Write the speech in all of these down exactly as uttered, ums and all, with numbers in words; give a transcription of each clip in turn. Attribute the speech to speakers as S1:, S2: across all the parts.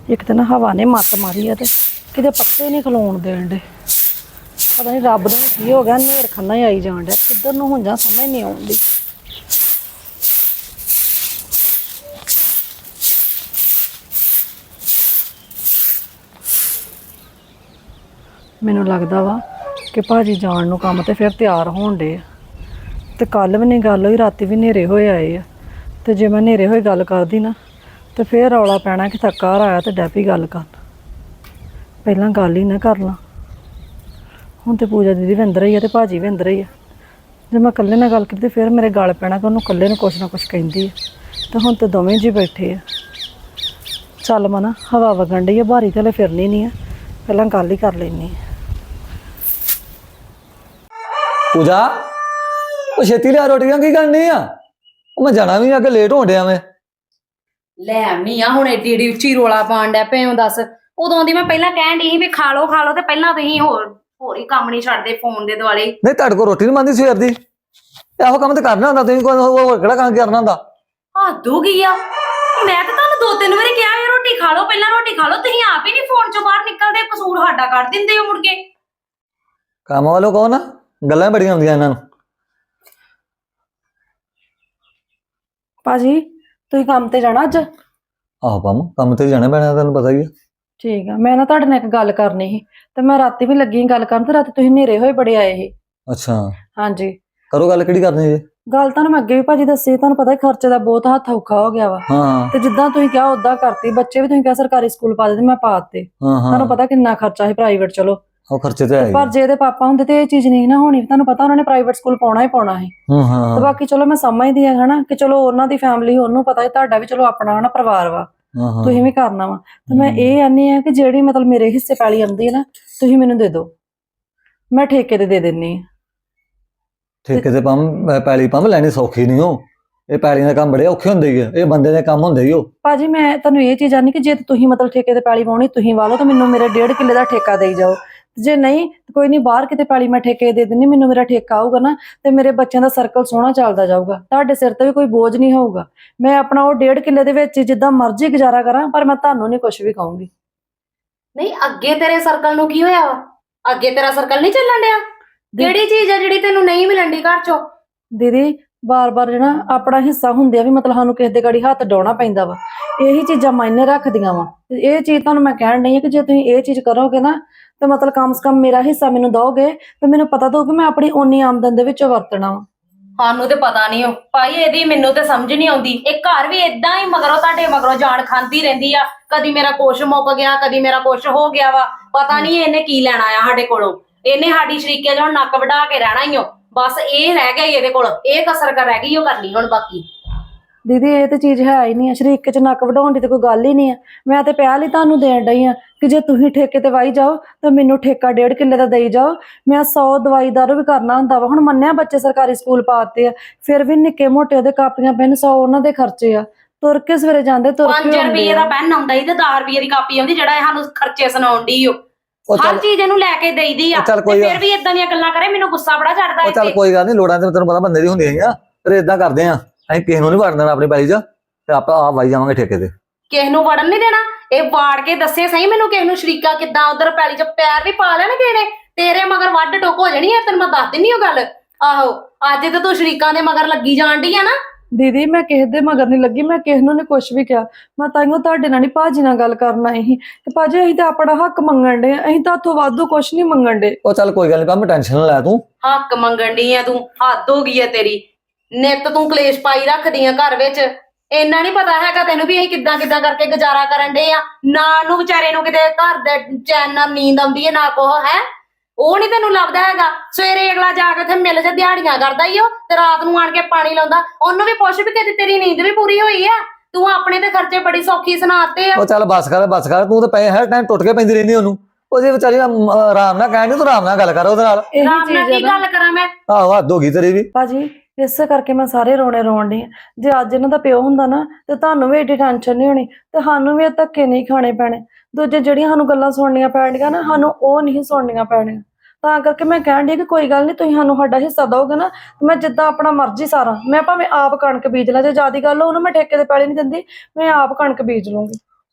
S1: एक तो ना हवा ने मत मारी है, कि पत्ते नहीं खलोन देन दे। पता नहीं रब ने की हो गया, नेर खन्ना ही आई जान डा, किधर नूं हुण जा समझ नहीं आउंदी। मैनूं लगदा वा कि भाजी जाण नूं काम ते फिर तैयार होण डे आ, ते कल भी नहीं गल होई, राती भी नेरे होए आए आ, ते जे मैं नेरे होए गल करदी ना तो फिर रौला पैना कि थक्का घर आया तो डैपी गल कर, पहला गल ही ना कर ला। हुण तो पूजा दीदी भी अंदर ही है तो भाजी भी अंदर ही है, जो मैं कल्ले नाल गल की फिर मेरे गल पैना कि उन्होंने कल्ले नूं कुछ ना कुछ कहिंदी है। तो हुण तो दोवें जी बैठे आ। चल मना हवा वगन डई है, बारी तो हले फिरनी नहीं है, पहला गल ही कर लैनी है।
S2: पूजा वो छेती लिया रोटियां की करनी आ, मैं जाना भी अगे लेट होण डिया मैं।
S3: ਲੈ ਆਉਣੀ ਆ ਹੁਣ ਏਡੀ ਏਡੀ ਉੱਚੀ ਰੋਲਾ ਪਾਣ ਡੈ ਪਏ ਹੋ ਦੱਸ। ਉਦੋਂ ਦੀ ਮੈਂ ਪਹਿਲਾਂ ਕਹਿਣ ਡਈ ਸੀ ਵੀ ਖਾ ਲਓ ਖਾ ਲਓ ਤੇ ਪਹਿਲਾਂ ਤੁਸੀਂ ਹੋਰ ਹੋਰ ਹੀ ਕੰਮ ਨਹੀਂ ਛੱਡਦੇ ਫੋਨ ਦੇ ਦੁਆਲੇ।
S2: ਨਹੀਂ ਤੁਹਾਡੇ ਕੋਲ ਰੋਟੀ ਨਹੀਂ ਬਣਦੀ ਸਵੇਰ ਦੀ, ਇਹੋ ਕੰਮ ਤੇ ਕਰਨਾ ਹੁੰਦਾ, ਤੁਸੀਂ ਕੋਈ ਹੋਰ ਕਿਹੜਾ ਕੰਮ ਕਰਨਾ ਹੁੰਦਾ।
S3: ਹੱਦ ਹੋ ਗਈ ਆ, ਮੈਂ ਤਾਂ ਤੁਹਾਨੂੰ ਦੋ ਤਿੰਨ ਵਾਰੀ ਕਿਹਾ ਇਹ ਰੋਟੀ ਖਾ ਲਓ ਪਹਿਲਾਂ ਰੋਟੀ ਖਾ ਲਓ, ਤੁਸੀਂ ਆਪ ਹੀ ਨਹੀਂ ਫੋਨ ਚੋਂ ਬਾਹਰ ਨਿਕਲਦੇ, ਕਸੂਰ ਸਾਡਾ ਕੱਢ ਦਿੰਦੇ ਹੋ ਮੁੜ ਕੇ।
S2: ਕੰਮ ਵਾਲੋ ਕਹੋ ਨਾ, ਗੱਲਾਂ ਬੜੀਆਂ ਹੁੰਦੀਆਂ ਇਹਨਾਂ ਨੂੰ।
S1: ਭਾਜੀ ਤੁਸੀਂ ਕੰਮ ਤੇ ਜਾਣਾ ਅੱਜ?
S2: ਆਹੋ ਕੰਮ ਕੰਮ ਤੇ ਜਾਣਾ ਪੈਣਾ, ਤੈਨੂੰ ਪਤਾ ਹੀ ਹੈ।
S1: ठीक है, मैं ना तुहाडे नाल एक गल करनी सी, ते मैं राती भी लगी गल करन, ते राती तुसीं नेरे होए बड़े आए ही।
S2: अच्छा
S1: हाँ जी,
S2: करो गल, किहड़ी करनी जी?
S1: गल तुहानूं मैं अगे भी भाजी दस्सी, तुहानूं पता है खर्चे दा बहुत हत्थ औखा हो गया वा।
S2: हाँ
S1: ते जिद्दां तुसीं कहा उद्दां करती, बच्चे भी तुसीं कहा सरकारी स्कूल पा दे, मैं पा दित्ते।
S2: हाँ हाँ
S1: तुहानूं पता किन्ना खर्चा है प्राइवेट, चलो
S2: ਉਹ ਖਰਚੇ ਤੇ ਆਏ।
S1: पर जे इहदे पापा हुंदे ते इह चीज़ नहीं ना होनी, तुहानूं पता उन्होंने प्राइवेट स्कूल पाउणा ही पाउणा है।
S2: ਹਾਂ ਹਾਂ
S1: ते बाकी चलो मैं समझदी हां हना कि चलो उन्हां दी फैमिली, उहनूं पता है तुहाडा भी चलो अपना हना परिवार वा,
S2: ਹਾਂ ਹਾਂ
S1: तुसीं भी करना वा। ते मैं ਇਹ आनी है कि ਜਿਹੜੀ मतलब मेरे हिस्से पैली आंदी है ना, तुसीं मैनूं दे दो, मैं ठेके ते दे दिन्नी आ।
S2: ਠੇਕੇ ਤੇ ਪੰਮ ਪੈਲੀ ਪੰਮ ਲੈਣੀ ਸੌਖੀ ਨਹੀਂ ਹੋ, ਇਹ ਪੈਲੀਆਂ ਦੇ ਕੰਮ ਬੜੇ ਔਖੇ ਹੁੰਦੇ ਹੀ ਆ, ਇਹ ਬੰਦੇ ਦੇ ਕੰਮ ਹੁੰਦੇ ਹੀ ਹੋ।
S1: ਭਾਜੀ ਮੈਂ ਤੁਹਾਨੂੰ ਇਹ ਚੀਜ਼ ਆਨੀ ਕਿ ਜੇ ਤੁਸੀਂ ਮਤਲਬ ਠੇਕੇ ਤੇ ਪੈਲੀ ਪਾਉਣੀ ਤੁਸੀਂ ਵਾਲੋ ਤਾਂ ਮੈਨੂੰ ਮੇਰੇ ਡੇਢ ਕਿੱਲੇ ਦਾ ਠੇਕਾ ਦੇਈ ਜਾਓ, ਜੇ ਨਹੀਂ ਕੋਈ ਨਹੀਂ ਬਾਹਰ ਕਿਤੇ ਪੈਲੀ ਮੈਂ ਠੇਕੇ ਦੇ ਦਿੰਨੀ, ਮੈਨੂੰ ਮੇਰਾ ਠੇਕਾ ਆਊਗਾ ਨਾ ਤੇ ਮੇਰੇ ਬੱਚਿਆਂ ਦਾ ਸਰਕਲ ਸੋਹਣਾ ਚੱਲਦਾ ਜਾਊਗਾ, ਤੁਹਾਡੇ ਸਿਰ ਤੇ ਵੀ ਕੋਈ ਬੋਝ ਨਹੀਂ ਹੋਊਗਾ। ਮੈਂ ਆਪਣਾ ਉਹ ਡੇਢ ਕਿੱਲੇ ਦੇ ਵਿੱਚ ਜਿੱਦਾਂ ਮਰਜ਼ੀ ਗੁਜ਼ਾਰਾ ਕਰਾਂ, ਪਰ ਮੈਂ ਤੁਹਾਨੂੰ ਨਹੀਂ ਕੁਝ ਵੀ ਕਹੂੰਗੀ।
S3: ਨਹੀਂ ਅੱਗੇ ਤੇਰੇ ਸਰਕਲ ਨੂੰ ਕੀ ਹੋਇਆ ਵਾ? ਅੱਗੇ ਤੇਰਾ ਸਰਕਲ ਨਹੀਂ ਚੱਲਣ ਡਿਆ? ਕਿਹੜੀ ਚੀਜ਼ ਆ ਜਿਹੜੀ ਤੈਨੂੰ ਨਹੀਂ ਮਿਲਣ ਦੀ ਘਰ ਚੋਂ?
S1: ਦੀਦੀ ਬਾਰ-ਬਾਰ ਜਿਹੜਾ ਆਪਣਾ ਹਿੱਸਾ ਹੁੰਦੇ ਆ ਵੀ ਮਤਲਬ ਸਾਨੂੰ ਕਿਸੇ ਦੇ ਗਾੜੀ ਹੱਥ ਡਾਉਣਾ ਪੈਂਦਾ ਵਾ, ਇਹੀ ਚੀਜ਼ਾਂ ਮਾਇਨੇ ਰੱਖਦੀਆਂ ਵਾ। ਇਹ ਚੀਜ਼ ਤੁਹਾਨੂੰ ਮੈਂ ਕਹਿਣ ਨਹੀਂ ਹੈ ਕਿ ਜੇ ਤੁਸੀਂ ਇਹ ਚੀਜ਼ ਕਰੋਗੇ ਨਾ ਤੇ ਮਤਲਬ ਕਮ ਸੇ ਕਮ ਮੇਰਾ ਹਿੱਸਾ ਮੈਨੂੰ ਦੋਗੇ ਤੇ ਮੈਨੂੰ ਪਤਾ ਦੋ ਕਿ ਮੈਂ ਆਪਣੀ ਓਨੀ ਆਮਦਨ ਦੇ ਵਿੱਚੋਂ ਵਰਤਣਾ ਵਾ।
S3: ਸਾਨੂੰ ਤੇ ਪਤਾ ਨਹੀਂ ਹੋ ਭਾਈ, ਇਹਦੀ ਮੈਨੂੰ ਤੇ ਸਮਝ ਨਹੀਂ ਆਉਂਦੀ। ਇਹ ਘਰ ਵੀ ਏਦਾਂ ਹੀ ਮਗਰੋਂ ਤੁਹਾਡੇ ਮਗਰੋਂ ਜਾਣ ਖਾਂਦੀ ਰਹਿੰਦੀ ਆ, ਕਦੀ ਮੇਰਾ ਕੁਛ ਮੁੱਕ ਗਿਆ, ਕਦੀ ਮੇਰਾ ਕੁਛ ਹੋ ਗਿਆ ਵਾ, ਪਤਾ ਨਹੀਂ ਇਹਨੇ ਕੀ ਲੈਣਾ ਆ ਸਾਡੇ ਕੋਲੋਂ। ਇਹਨੇ ਸਾਡੀ ਸ਼ਰੀਕੇ ਚੋਂ ਨੱਕ ਵਢਾ ਕੇ ਰਹਿਣਾ ਹੀ ਹੋ, ਬਸ ਇਹ ਰਹਿ ਗਿਆ ਇਹਦੇ ਕੋਲ, ਇਹ ਕਸਰ ਕਰ ਰਹਿ ਗਈ ਉਹ ਕਰਨੀ ਹੁਣ। ਬਾਕੀ
S1: ਦੀਦੀ ਇਹ ਤੇ ਚੀਜ਼ ਹੈ ਹੀ ਨਹੀਂ ਆ, ਸ਼ਰੀਕੇ ਚ ਨੱਕ ਵਢਾਉਣ ਦੀ ਤੇ ਕੋਈ ਗੱਲ ਹੀ ਨਹੀਂ ਆ। ਮੈਂ ਤੇ ਪਹਿਲ ਹੀ ਤੁਹਾਨੂੰ ਦੇਣ ਡਈ ਆ ਕਿ ਜੇ ਤੁਸੀਂ ਠੇਕੇ ਤੇ ਵਾਈ ਜਾਓ ਤਾਂ ਮੈਨੂੰ ਠੇਕਾ ਡੇਢ ਕਿੱਲੇ ਦਾ ਦੇਈ ਜਾਓ, ਮੈਂ ਸੌ ਦਵਾਈ ਦਾਰੂ ਵੀ ਕਰਨਾ ਹੁੰਦਾ ਵਾ। ਹੁਣ ਮੰਨਿਆ ਬੱਚੇ ਸਰਕਾਰੀ ਸਕੂਲ ਪਾਤੇ ਆ, ਫਿਰ ਵੀ ਨਿੱਕੇ ਮੋਟੇ ਉਹਦੇ ਕਾਪੀਆਂ ਪੈਨ ਸੌ ਉਹਨਾਂ ਦੇ ਖਰਚੇ ਆ, ਤੁਰ ਕੇ ਸਵੇਰੇ ਜਾਂਦੇ ਤੁਰ ਕੇ
S3: ਪੰਜ ਰੁਪਏ ਦਾ ਪੈਨ ਆਉਂਦਾ ਸੀ ਤੇ ਦਸ ਰੁਪਏ ਦੀ ਕਾਪੀ ਆਉਂਦੀ, ਜਿਹੜਾ ਇਹ ਸਾਨੂੰ ਖਰਚੇ ਸੁਣਾਉਣ ਡਈ ਓ। ਹਰ ਚੀਜ਼ ਇਹਨੂੰ ਲੈ ਕੇ ਦੇਈਦੀ ਆ, ਫਿਰ ਵੀ ਇਦਾਂ ਦੀਆਂ ਗੱਲਾਂ ਕਰੇ, ਮੈਨੂੰ ਗੁੱਸਾ ਬੜਾ ਚੜਦਾ।
S2: ਚੱਲ ਕੋਈ ਗੱਲ ਨਹੀਂ, ਲੋੜਾਂ ਤੇ ਤੈਨੂੰ ਪਤਾ ਬੰਦੇ ਦੀ ਹੁੰਦੀਆਂ ਹੈਗੀਆਂ, ਫਿਰ ਏਦਾਂ ਕਰਦੇ ਆ ਅਸੀਂ ਕਿਸੇ ਨੂੰ ਨਹੀਂ ਵੜਨ ਦੇਣਾ ਆਪਣੀ ਪੈਲੀ 'ਚ, ਤੇ ਆਪਾਂ ਆਪ ਵਾਈ ਜਾਵਾਂਗੇ ਠੇਕੇ ਤੇ।
S3: ਕਿਸੇ ਨੂੰ ਵੜਨ ਨਹੀਂ ਦੇਣਾ, ਇਹ ਵਾੜ ਕੇ ਦੱਸੇ ਸਹੀ ਮੈਨੂੰ ਕਿਸੇ ਨੂੰ ਸ਼ਰੀਕਾ ਕਿੱਦਾਂ ਉਧਰ ਪੈਲੀ 'ਚ ਪੈਰ ਵੀ ਪਾ ਲੈਣ ਕਿਸੇ ਨੇ, ਤੇਰੇ ਮਗਰ ਵੱਢ ਟੋਕ ਹੋ ਜਾਣੀ ਹੈ, ਤੈਨੂੰ ਮੈਂ ਦੱਸ ਦਿੰਨੀ ਉਹ ਗੱਲ। ਆਹੋ ਅੱਜ ਤੇ ਤੂੰ ਸ਼ਰੀਕਾਂ ਦੇ ਮਗਰ ਲੱਗੀ ਜਾਣ ਡਈ ਆ ਨਾ।
S1: ਦੀਦੀ ਮੈਂ ਕਿਸੇ ਦੇ ਮਗਰ ਨਹੀਂ ਲੱਗੀ, ਮੈਂ ਕਿਸੇ ਨੂੰ ਨਹੀਂ ਕੁਝ ਵੀ ਕਿਹਾ, ਮੈਂ ਤਾਈਓ ਤੁਹਾਡੇ ਨਾਲ ਨਹੀਂ ਭਾਜੀ ਨਾਲ ਗੱਲ ਕਰਨ ਆਈ ਸੀ। ਤੇ ਭਾਜੀ ਅਸੀਂ ਤਾਂ ਆਪਣਾ ਹੱਕ ਮੰਗਣ ਡੇ, ਅਸੀਂ ਤਾਂ ਉੱਥੋਂ ਵਾਧੂ ਕੁਝ ਨਹੀਂ ਮੰਗਣ ਡੇ।
S2: ਉਹ ਚੱਲ ਕੋਈ ਗੱਲ ਨਹੀਂ ਪੰਮ, ਟੈਨਸ਼ਨ ਨਾ ਲੈ ਤੂੰ।
S3: ਹੱਕ ਮੰਗਣ ਡਈ ਆ ਤੂੰ? ਹੱਦ ਹੋ ਗਈ ਆ ਤੇਰੀ, ਨਿੱਤ ਤੂੰ ਕਲੇਸ਼ ਪਾਈ ਰੱਖਦੀ ਆ ਘਰ ਵਿੱਚ। ਇੰਨਾ ਨਹੀਂ ਪਤਾ ਹੈਗਾ ਤੈਨੂੰ ਵੀ ਅਸੀਂ ਕਿੱਦਾਂ ਕਿੱਦਾਂ ਕਰਕੇ ਗੁਜ਼ਾਰਾ ਕਰਨ ਡੇ ਆ। ਨਾ ਨੂੰ ਵਿਚਾਰੇ ਨੂੰ ਕਿਤੇ ਘਰ ਦੇ ਚੈਨ ਨਾਲ ਨੀਂਦ ਆਉਂਦੀ ਹੈ ਨਾ ਕੋਹ ਹੈ, ਉਹ ਨਹੀਂ ਤੈਨੂੰ ਲੱਭਦਾ ਹੈਗਾ। ਸਵੇਰੇ ਅਗਲਾ ਜਾ ਕੇ ਉੱਥੇ ਮਿਲ ਜਾ ਦਿਹਾੜੀਆਂ ਕਰਦਾ ਹੀ ਉਹ, ਤੇ ਰਾਤ ਨੂੰ ਆਣ ਕੇ ਪਾਣੀ ਲਾਉਂਦਾ। ਉਹਨੂੰ ਵੀ ਪੁੱਛ ਵੀ ਕਦੇ ਤੇਰੀ ਨੀਂਦ ਵੀ ਪੂਰੀ ਹੋਈ ਆ? ਤੂੰ ਆਪਣੇ ਤੇ ਖਰਚੇ ਬੜੀ ਸੌਖੀ ਸੁਣਾਤੇ ਆ।
S2: ਉਹ ਚੱਲ ਬੱਸ ਕਰ ਬੱਸ ਕਰ, ਤੂੰ ਤਾਂ ਪਏ ਹਰ ਟਾਈਮ ਟੁੱਟ ਕੇ ਪੈਂਦੀ ਰਹਿੰਦੀ ਉਹਨੂੰ। ਉਹਦੇ ਵਿਚਾਰੀ ਆਰਾਮ ਨਾਲ ਕਹਿਣ ਦੀ, ਤੂੰ ਆਰਾਮ ਨਾਲ ਗੱਲ ਕਰ ਉਹਦੇ ਨਾਲ।
S3: ਆਰਾਮ ਨਾਲ ਕੀ ਗੱਲ ਕਰਾਂ ਮੈਂ?
S2: ਆਹੋ ਹੱਦ ਹੋ ਗਈ ਤੇਰੀ ਵੀ।
S1: ਭਾਜੀ ਇਸੇ ਕਰਕੇ ਮੈਂ ਸਾਰੇ ਰੋਣੇ ਰੋਣ ਡਈ ਆ। ਜੇ ਅੱਜ ਇਹਨਾਂ ਦਾ ਪਿਓ ਹੁੰਦਾ ਨਾ ਤੇ ਤੁਹਾਨੂੰ ਵੀ ਏਡੀ ਟੈਨਸ਼ਨ ਨਹੀਂ ਹੋਣੀ, ਤੇ ਸਾਨੂੰ ਵੀ ਇਹ ਧੱਕੇ ਨਹੀਂ ਖਾਣੇ ਪੈਣੇ। ਦੂਜੇ ਜਿਹੜੀਆਂ ਸਾਨੂੰ ਗੱਲਾਂ ਸੁਣਨੀਆਂ ਪੈਣਗੀਆਂ ਨਾ, ਸਾਨੂੰ ਉਹ ਨਹੀਂ ਸੁਣਨੀਆਂ ਪੈਣੀਆਂ। ਤਾਂ ਕਰਕੇ ਮੈਂ ਕਹਿਣ ਡਈ ਕਿ ਕੋਈ ਗੱਲ ਨਹੀਂ, ਤੁਸੀਂ ਸਾਨੂੰ ਸਾਡਾ ਹਿੱਸਾ ਦਿਓਗੇ ਨਾ, ਮੈਂ ਜਿੱਦਾਂ ਆਪਣਾ ਮਰਜ਼ੀ ਸਾਰਾ, ਮੈਂ ਭਾਵੇਂ ਆਪ ਕਣਕ ਬੀਜ ਲਾਂ। ਜੇ ਜ਼ਿਆਦਾ ਗੱਲ ਉਹਨੂੰ ਮੈਂ ਠੇਕੇ ਤੇ ਪੈਲੀ ਨਹੀਂ ਦਿੰਦੀ, ਮੈਂ ਆਪ ਕਣਕ ਬੀਜ ਲੂੰਗੀ।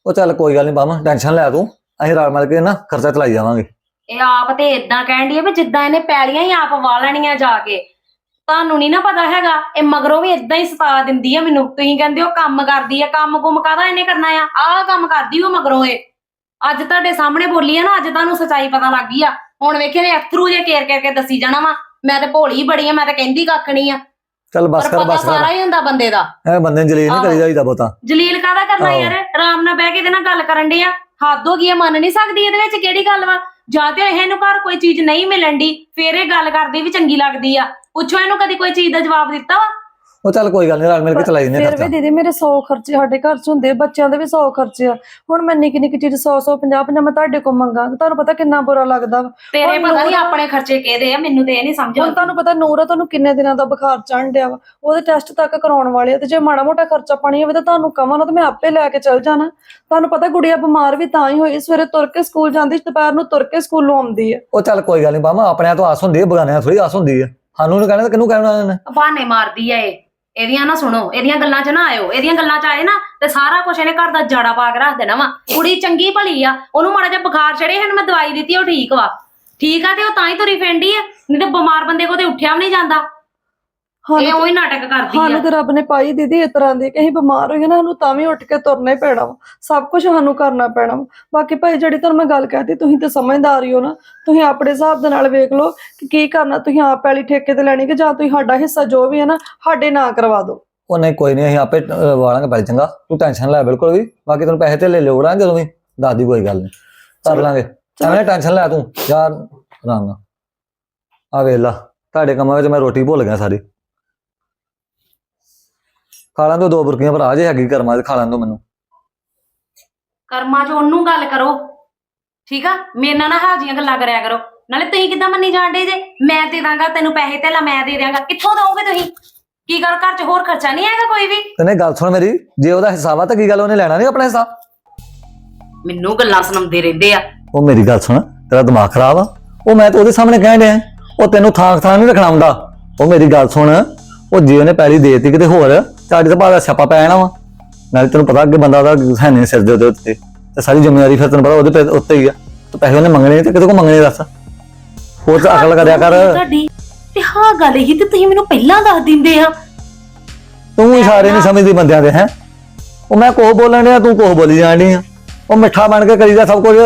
S2: ਉਹ ਚੱਲ ਕੋਈ ਗੱਲ ਨਹੀਂ ਪੰਮ, ਟੈਨਸ਼ਨ ਲੈ ਤੂੰ, ਅਸੀਂ ਰਲ ਮਿਲ ਕੇ ਨਾ ਖਰਚਾ ਚਲਾਈ ਜਾਵਾਂਗੇ।
S3: ਇਹ ਆਪ ਤੇ ਇਦਾਂ ਕਹਿਣ ਡਈ ਆ ਵੀ ਜਿੱਦਾਂ ਇਹਨੇ ਪੈਲੀਆਂ ਹੀ ਆਪ ਵਾ ਲੈਣੀਆਂ ਜਾ ਕੇ। ਤੁਹਾਨੂੰ ਨਹੀਂ ਨਾ ਪਤਾ ਹੈਗਾ, ਇਹ ਮਗਰੋਂ ਵੀ ਇਦਾਂ ਹੀ ਸਤਾ ਦਿੰਦੀ ਆ ਮੈਨੂੰ। ਤੁਸੀਂ ਕਹਿੰਦੇ ਹੋ ਕੰਮ ਕਰਦੀ ਆ, ਕੰਮ ਕੁਮ ਕਾਹਦਾ ਇਹਨੇ ਕਰਨਾ ਆ? ਆਹ ਕੰਮ ਕਰਦੀ ਉਹ ਮਗਰੋਂ। ਇਹ ਅੱਜ ਤੁਹਾਡੇ ਸਾਹਮਣੇ ਬੋਲੀ ਆ ਨਾ, ਅੱਜ ਤੁਹਾਨੂੰ ਸੱਚਾਈ ਪਤਾ ਲੱਗ ਗਈ ਆ। ਹੁਣ ਵੇਖਿਆ ਨੇ ਅਥਰੂ ਜੇ ਕੇਰ ਕੇਰ ਕੇ ਦੱਸੀ ਜਾਣਾ ਵਾ। ਮੈਂ ਤੇ ਭੋਲੀ ਬੜੀ ਆ, ਮੈਂ ਤਾਂ ਕਹਿੰਦੀ ਕੱਖ ਨਹੀਂ ਆ।
S2: ਚੱਲ ਬਸ
S3: ਪਰ
S2: ਕਰ
S3: ਪਤਾ
S2: ਬਸ ਕਰ,
S3: ਸਾਰਾ ਹੀ ਹੁੰਦਾ ਬੰਦੇ ਦਾ।
S2: ਐ ਬੰਦੇ ਨੂੰ ਜਲੀਲ ਨਹੀਂ ਕਰੀ ਜਾਈਦਾ ਬਹੁਤਾ।
S3: ਜਲੀਲ ਕਾਹਦਾ ਕਰਨਾ
S2: ਆਹੋ।
S3: ਯਾਰ, ਆਰਾਮ ਨਾਲ ਬਹਿ ਕੇ ਇਹਦੇ ਨਾਲ ਗੱਲ ਕਰਨ ਦੇ ਆ। ਹੱਦ ਹੋ ਗਈ ਆ, ਮੰਨ ਨਹੀਂ ਸਕਦੀ ਇਹਦੇ ਵਿੱਚ ਕਿਹੜੀ ਗੱਲ ਵਾ? ਜਾਂ ਤੇ ਇਹਨੂੰ ਘਰ ਕੋਈ ਚੀਜ਼ ਨਹੀਂ ਮਿਲਣ ਦੀ, ਫੇਰ ਇਹ ਗੱਲ ਕਰਦੀ ਵੀ ਚੰਗੀ ਲੱਗਦੀ ਆ। ਪੁੱਛੋ ਇਹਨੂੰ ਕਦੀ ਕੋਈ ਚੀਜ਼ ਦਾ ਜਵਾਬ ਦਿੱਤਾ ਵਾ?
S2: ਉਹ ਚੱਲ ਕੋਈ ਗੱਲ ਨਹੀਂ, ਰਲ ਮਿਲ ਕੇ ਚਲਾਈ ਦਿੰਦੇ
S1: ਫਿਰ ਵੀ
S2: ਖਰਚਾ।
S1: ਦੀਦੀ ਮੇਰੇ ਸੌ ਖਰਚੇ ਸਾਡੇ ਘਰ 'ਚ ਹੁੰਦੇ, ਬੱਚਿਆਂ ਦੇ ਵੀ ਸੌ ਖਰਚੇ ਆ। ਹੁਣ ਮੈਂ ਨਿੱਕੀ ਨਿੱਕੀ ਚੀਜ਼ ਸੌ ਸੌ ਪੰਜਾਹ ਪੰਜਾਹ ਮੈਂ ਤੁਹਾਡੇ ਕੋਲ ਮੰਗਾ, ਤੇ ਤੁਹਾਨੂੰ ਪਤਾ ਕਿੰਨਾ ਬੁਰਾ ਲੱਗਦਾ ਵਾ।
S3: ਤੇਰੇ
S1: ਹੁਣ
S3: ਪਤਾ ਨਹੀਂ
S1: ਨੂਰ-
S3: ਆਪਣੇ ਖਰਚੇ ਕਿਹਦੇ ਆ, ਮੈਨੂੰ ਤੇ ਇਹ ਨਹੀਂ ਸਮਝ
S1: ਹੁਣ
S3: ਆਉਂਦੀ।
S1: ਤੁਹਾਨੂੰ ਪਤਾ ਨੂਰ ਆ, ਤੁਹਾਨੂੰ ਕਿੰਨੇ ਦਿਨਾਂ ਦਾ ਬੁਖਾਰ ਚੜ੍ਹਨ ਡਿਆ ਵਾ, ਉਹਦੇ ਟੈਸਟ ਤੱਕ ਕਰਾਉਣ ਵਾਲੇ ਆ। ਤੇ ਜੇ ਮਾੜਾ ਮੋਟਾ ਖਰਚਾ ਪਾਣੀ ਹੋਵੇ ਤਾਂ ਤੁਹਾਨੂੰ ਕਵਾਂ ਨਾ, ਤਾਂ ਮੈਂ ਆਪੇ ਲੈ ਕੇ ਚੱਲ ਜਾਣਾ। ਤੁਹਾਨੂੰ ਪਤਾ ਗੁੜੀਆ ਬਿਮਾਰ ਵੀ ਤਾਂ ਹੀ ਹੋਈ, ਸਵੇਰੇ ਤੁਰ ਕੇ ਸਕੂਲ ਜਾਂਦੀ, ਦੁਪਹਿਰ ਨੂੰ ਤੁਰ ਕੇ ਸਕੂਲੋਂ ਆਉਂਦੀ ਆ।
S2: ਉਹ ਚੱਲ ਕੋਈ ਗੱਲ ਨਹੀਂ ਪੰਮ, ਆਪਣੇ ਤੋਂ ਆਸ ਹੁੰਦੀ ਹੈ, ਬਗਾਨਿਆਂ ਥੋੜੀ ਆਸ ਹੁੰਦੀ ਹੈ। ਸਾਨੂੰ ਨਹੀਂ ਕਹਿਣਾ ਤਾਂ ਕਿਹਨੂੰ ਕਹਿਣਾ ਇਹਨੇ?
S3: ਬਹਾਨੇ ਮਾਰਦੀ ਆ ਇਹ। ਇਹਦੀਆਂ ਨਾ ਸੁਣੋ, ਇਹਦੀਆਂ ਗੱਲਾਂ 'ਚ ਨਾ ਆਇਓ। ਇਹਦੀਆਂ ਗੱਲਾਂ 'ਚ ਆਏ ਨਾ ਤੇ ਸਾਰਾ ਕੁਝ ਇਹਨੇ ਘਰ ਦਾ ਜਾੜਾ ਪਾ ਕੇ ਰੱਖ ਦੇਣਾ ਵਾ। ਕੁੜੀ ਚੰਗੀ ਭਲੀ ਆ, ਉਹਨੂੰ ਮਾੜਾ ਜਿਹਾ ਬੁਖਾਰ ਚੜੇ ਹਨ, ਮੈਂ ਦਵਾਈ ਦਿੱਤੀ, ਉਹ ਠੀਕ ਵਾ। ਠੀਕ ਆ ਤੇ ਉਹ ਤਾਂ ਹੀ ਤੁਰੀ ਫਿਰਦੀ ਆ, ਨਹੀਂ ਤੇ ਬਿਮਾਰ ਬੰਦੇ ਕੋਲ ਤੇ ਉੱਠਿਆ ਵੀ ਨਹੀਂ ਜਾਂਦਾ। ਇਹ ਉਹੀ ਨਾਟਕ ਕਰਦੀ
S1: ਸਾਨੂੰ
S3: ਆ।
S1: ਤੇ ਰੱਬ ਨੇ ਪਾਈ ਦੀਦੀ ਇਸ ਤਰ੍ਹਾਂ ਦੀ ਕਿ ਅਸੀਂ ਬਿਮਾਰ ਹੋਈਏ ਨਾ, ਸਾਨੂੰ ਤਾਂ ਵੀ ਉੱਠ ਕੇ ਤੁਰਨਾ ਹੀ ਪੈਣਾ ਵਾ। ਸਭ ਕੁਝ ਸਾਨੂੰ ਕਰਨਾ ਪੈਣਾ ਵਾ। ਬਾਕੀ ਭਾਈ ਜਿਹੜੀ ਤੁਹਾਨੂੰ ਮੈਂ ਗੱਲ ਕਹਿਤੀ, ਤੁਸੀਂ ਤੇ ਸਮਝਦਾਰ ਹੀ ਹੋ ਨਾ। ਤੁਸੀਂ ਆਪਣੇ ਹਿਸਾਬ ਦੇ ਨਾਲ ਵੇਖ ਲਓ ਕਿ ਕੀ ਕਰਨਾ। ਤੁਸੀਂ ਆਪ ਪੈਲੀ ਠੇਕੇ ਤੇ ਲੈਣੀ, ਕਿ ਜਾਂ ਤੁਸੀਂ ਸਾਡਾ ਹਿੱਸਾ ਜੋ ਵੀ ਹੈ ਨਾ ਸਾਡੇ ਨਾਂ ਕਰਵਾ ਦਿਓ।
S2: ਉਹ ਨਹੀਂ ਕੋਈ ਨਹੀਂ, ਅਸੀਂ ਆਪੇ ਅਹ, ਵਾਲਾਂਗੇ ਪੈਸੇ। ਚੰਗਾ ਤੂੰ ਟੈਨਸ਼ਨ ਲੈ ਬਿਲਕੁਲ ਵੀ। ਬਾਕੀ ਤੈਨੂੰ ਪੈਸੇ ਤੇ ਲੈ ਲੋੜਾਂ ਜਦੋਂ ਵੀ ਦੱਸਦੀ, ਕੋਈ ਗੱਲ ਨਹੀਂ, ਕਰ ਲਾਂਗੇ। ਐਵੇਂ ਟੈਨਸ਼ਨ ਲੈ ਤੂੰ ਯਾਰ, ਆਰਾਮ ਨਾਲ। ਆ ਵੇਖ ਲਾ, ਤੁਹਾਡੇ ਕੰਮਾਂ ਵਿੱਚ ਮੈਂ ਰੋਟੀ ਭੁੱਲ ਗਿਆ ਸਾਰੀ। ਖਾ ਲਾਂ ਦੋ ਦੋ ਬੁਰਕੀਆਂ ਭਰਾ, ਜੇ ਹੈਗੀ ਕਰਮਾਂ ਚ ਖਾ ਲਾਂ ਦੋ ਮੈਨੂੰ।
S3: ਕਰਮਾਂ 'ਚ ਉਹਨੂੰ ਗੱਲ ਕਰੋ, ਠੀਕ ਆ? ਮੇਰੇ ਨਾਲ ਨਾ ਹਾਜੀਆਂ ਗੱਲਾਂ ਕਰਿਆ ਕਰੋ। ਨਾਲੇ ਤੁਸੀਂ ਕਿੱਦਾਂ ਮੰਨੀ ਜਾਂਦੇ ਜੇ? ਮੈਂ ਦੇ ਦਾਂਗਾ ਤੈਨੂੰ ਪੈਸੇ, ਤੇ ਲਾ ਮੈਂ ਦੇ ਦਿਆਂਗਾ। ਕਿੱਥੋਂ ਦੋਗੇ ਤੁਸੀਂ? ਕੀ ਗੱਲ, ਘਰ 'ਚ ਹੋਰ ਖਰਚਾ ਨਹੀਂ ਆਏਗਾ ਕੋਈ ਵੀ?
S2: ਤੈਨੇ ਗੱਲ ਸੁਣ ਮੇਰੀ, ਜੇ ਉਹਦਾ ਹਿਸਾਬ ਆ ਤਾਂ ਕੀ ਗੱਲ, ਉਹਨੇ ਲੈਣਾ ਨਹੀਂ ਆਪਣਾ ਹਿੱਸਾ?
S3: ਮੈਨੂੰ ਗੱਲਾਂ ਸੁਣਾਉਂਦੇ ਰਹਿੰਦੇ ਆ।
S2: ਉਹ ਮੇਰੀ ਗੱਲ ਸੁਣ, ਤੇਰਾ ਦਿਮਾਗ ਖਰਾਬ ਆ? ਉਹ ਮੈਂ ਤਾਂ ਉਹਦੇ ਸਾਹਮਣੇ ਕਹਿਣ ਡਿਆ, ਉਹ ਤੈਨੂੰ ਥਾਂ ਥਾਂ ਨਹੀਂ ਰੱਖਣਾ ਹੁੰਦਾ। ਉਹ ਮੇਰੀ ਗੱਲ ਸੁਣ, ਉਹ ਜੇ ਉਹਨੇ ਪੈਲੀ ਦੇਤੀ ਕਿਤੇ ਹੋਰ, ਤੁਹਾਡੀ ਤਾਂ ਭਾਵੇਂ ਛਾਪਾ ਪੈ ਜਾਣਾ ਵਾ। ਨਾਲੇ ਤੈਨੂੰ ਪਤਾ ਅੱਗੇ ਬੰਦਾ ਉਹਦਾ ਹੈ ਨਹੀਂ ਸਿਰ ਦੇ ਉਹਦੇ ਉੱਤੇ, ਤੇ ਸਾਰੀ ਜ਼ਿੰਮੇਵਾਰੀ ਫਿਰ ਤੈਨੂੰ ਪਤਾ ਉਹਦੇ ਪੈ- ਉੱਤੇ ਹੀ ਆ। ਤੇ ਪੈਸੇ ਉਹਨੇ ਮੰਗਣੇ ਤੇ ਕਿਤੇ ਕੋ ਮੰਗਣੇ, ਦੱਸ। ਹੋਰ ਤਾਂ ਅਕਲ ਕਰਿਆ ਕਰ।
S3: ਤੁਹਾਡੀ ਤੇ ਹਾਂ ਗੱਲ ਹੀ ਤੇ ਤੁਸੀਂ ਮੈਨੂੰ ਪਹਿਲਾਂ ਦੱਸ ਦਿੰਦੇ ਆ।
S2: ਤੂੰ ਇਸ਼ਾਰੇ ਨਹੀਂ ਸਮਝਦੀ ਬੰਦਿਆਂ ਦੇ, ਹੈ? ਉਹ ਮੈਂ ਕੋਹ ਬੋਲਣ ਡਿਆ, ਤੂੰ ਕੋਹ ਬੋਲੀ ਜਾਣ ਡਈ ਆ। ਉਹ ਮਿੱਠਾ ਬਣ ਕੇ ਕਰੀਦਾ ਸਭ ਕੁਝ।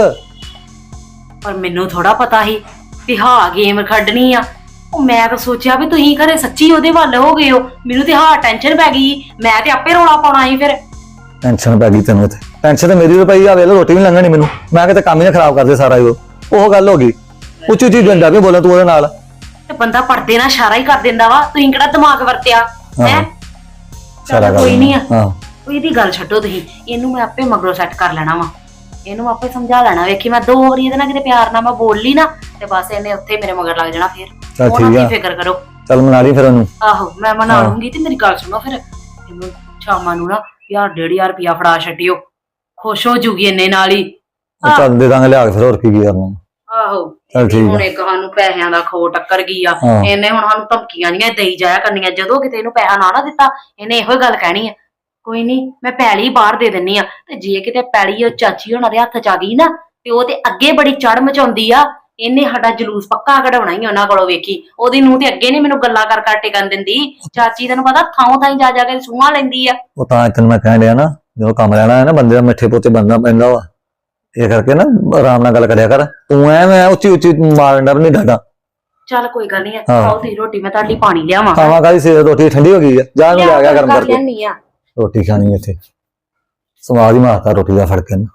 S3: ਪਰ ਮੈਨੂੰ ਥੋੜਾ ਪਤਾ ਸੀ ਕਿ ਹਾਂ ਗੇਮ ਖੱਡਣੀ ਆ। ਉਹ ਮੈਂ ਤਾਂ ਸੋਚਿਆ ਵੀ ਤੁਸੀਂ ਘਰੇ ਸੱਚੀ ਉਹਦੇ ਵੱਲ ਹੋ ਗਏ ਹੋ। ਮੈਨੂੰ ਤੇ ਹਾਂ ਟੈਨਸ਼ਨ ਪੈ ਗਈ, ਮੈਂ ਤੇ ਆਪੇ ਰੌਲਾ ਪਾਉਣਾ ਸੀ ਫਿਰ।
S2: ਟੈਨਸ਼ਨ ਪੈ ਗਈ ਤੈਨੂੰ? ਤੇ ਟੈਨਸ਼ਨ ਤੇ ਮੇਰੀ ਵੀ ਪਈ ਆ। ਵੇਲੇ ਰੋਟੀ ਵੀ ਲੰਘਣੀ ਮੈਨੂੰ, ਮੈਂ ਕਿਤੇ ਕੰਮ ਹੀ ਨਾ ਖਰਾਬ ਕਰਦੇ ਸਾਰਾ ਹੀ। ਉਹ ਉਹ ਗੱਲ ਹੋ ਗਈ। ਉੱਚੀ ਉੱਚੀ ਡੰਡਾ ਵੀ ਬੋਲਾਂ ਤੂੰ ਉਹਦੇ ਨਾਲ।
S3: ਤੇ ਬੰਦਾ ਪਰਦੇ ਨਾਲ ਇਸ਼ਾਰਾ ਹੀ ਕਰ ਦਿੰਦਾ ਵਾ, ਤੁਸੀਂ ਕਿਹੜਾ ਦਿਮਾਗ ਵਰਤਿਆ ਹੈ?
S2: ਸਾਰਾ
S3: ਕੋਈ ਨਹੀਂ ਆ।
S2: ਹਾਂ,
S3: ਉਹ ਇਹਦੀ ਗੱਲ ਛੱਡੋ ਤੁਸੀਂ, ਇਹਨੂੰ ਮੈਂ ਆਪੇ ਮਗਰੋਂ ਸੈੱਟ ਕਰ ਲੈਣਾ ਵਾ। ਇਹਨੂੰ ਆਪੇ ਸਮਝਾ ਲੈਣਾ। ਵੇਖੀ ਮੈਂ ਦੋ ਵਾਰੀ ਇਹਦੇ ਨਾਲ ਕਿਤੇ ਪਿਆਰ ਨਾਲ ਮੈਂ ਬੋਲ ਲਈ ਨਾ, ਤੇ ਬਸ ਇਹਨੇ ਉੱਥੇ ਮੇਰੇ ਮਗਰ ਲੱਗ ਜਾਣਾ। ਫਿਰ
S2: ਚੱਲ
S3: ਉਹਨਾਂ
S2: ਠੀਕ
S3: ਦੀ
S2: ਆ,
S3: ਫਿਕਰ ਕਰੋ।
S2: ਚੱਲ ਮਨਾ ਲਈ ਫਿਰ ਉਹਨੂੰ।
S3: ਆਹੋ ਮੈਂ ਮਨਾ
S2: ਹਾਂ।
S3: ਲੂੰਗੀ। ਤੇ ਮੇਰੀ ਗੱਲ ਸੁਣੋ, ਫਿਰ ਇਹਨੂੰ ਸ਼ਾਮਾਂ ਨੂੰ ਨਾ ਯਾਰ ਡੇਢ ਹਜ਼ਾਰ ਰੁਪਇਆ ਫੜਾ ਛੱਡਿਓ, ਖੁਸ਼ ਹੋ ਜੂਗੀ ਇੰਨੇ ਨਾਲ ਹੀ।
S2: ਉਹ ਚੱਲ ਦੇ ਦਾਂਗੇ ਲਿਆ ਕੇ, ਫਿਰ ਹੋਰ ਕੀ ਕੀ ਕਰਨਾ।
S3: ਆਹੋ
S2: ਚੱਲ ਠੀਕ
S3: ਹੁਣ
S2: ਆ।
S3: ਇੱਕ ਸਾਨੂੰ ਪੈਸਿਆਂ ਦਾ ਖੋ ਟੱਕਰ ਗਈ ਆ।
S2: ਹਾਂ।
S3: ਇਹਨੇ ਹੁਣ ਸਾਨੂੰ ਧਮਕੀਆਂ ਨਹੀਂ ਦੇਈ ਜਾਇਆ ਕਰਨੀਆਂ। ਜਦੋਂ ਕਿਤੇ ਇਹਨੂੰ ਪੈਸਾ ਨਾ ਨਾ ਦਿੱਤਾ, ਇਹਨੇ ਇਹੋ ਗੱਲ ਕਹਿਣੀ ਆ, ਕੋਈ ਨਹੀਂ ਮੈਂ ਪੈਲੀ ਬਾਹਰ ਦੇ ਦਿੰਨੀ ਆ। ਤੇ ਜੇ ਕਿਤੇ ਪੈਲੀ ਉਹ ਚਾਚੀ ਹੋਣਾ ਦੇ ਹੱਥ ਚ ਆ ਗਈ ਨਾ, ਤੇ ਉਹ ਤੇ ਅੱਗੇ ਬੜੀ ਚੜ ਮਚਾਉਂਦੀ ਆ। ਇਹਨੇ ਸਾਡਾ ਜਲੂਸ ਪੱਕਾ ਕਢਾਉਣਾ ਹੀ ਉਹਨਾਂ ਕੋਲੋਂ। ਵੇਖੀ ਉਹਦੀ ਨੂੰਹ ਤੇ ਅੱਗੇ ਨੀ ਮੈਨੂੰ ਗੱਲਾਂ ਕਰ ਕਰ ਟਿਕਣ ਦਿੰਦੀ। ਚਾਚੀ ਤੈਨੂੰ ਪਤਾ ਥਾਂ ਥਾਂ ਜਾ ਜਾ ਕੇ ਸੂਹਾਂ ਲੈਂਦੀ ਆ।
S2: ਉਹ ਤਾਂ ਤੈਨੂੰ ਮੈਂ ਕਹਿਣ ਡਿਆ ਨਾ, ਜਦੋਂ ਕੰਮ ਲੈਣਾ ਹੈ ਨਾ, ਬੰਦੇ ਦਾ ਮਿੱਠੇ ਪੋਤੇ ਬੰਦਾ ਪੈਂਦਾ ਵਾ। ਇਹ ਕਰਕੇ ਨਾ ਆਰਾਮ ਨਾਲ ਗੱਲ ਕਰਿਆ ਕਰ। ਤੂੰ ਐ ਮੈਂ ਉੱਚੀ ਉੱਚੀ ਮਾਰਨ ਦਾ ਨਹੀਂ ਡਰਦਾ।
S3: ਚੱਲ ਕੋਈ ਗੱਲ ਨੀ,
S2: ਹਾਂ।
S3: ਖਾਓ ਤੁਸੀਂ ਰੋਟੀ, ਮੈਂ ਤੁਹਾਡੀ ਪਾਣੀ ਲਿਆਵਾਂ।
S2: ਖਾਵਾਂ ਕਾਹਦੀ ਸਵੇਰ ਰੋਟੀ ਠੰਡੀ ਹੋ ਗਈ ਆ, ਜਾ ਨੂੰ ਲਿਆ ਗਿਆ ਗਰਮ ਕਰਕੇ।
S3: ਲਿਆਨੀ ਆ।
S2: ਰੋਟੀ ਖਾਣੀ ਇੱਥੇ ਸਵਾਦ ਹੀ ਮਾਰਤਾ ਰੋਟੀ ਦਾ ਫੜ ਕੇ ਨਾ।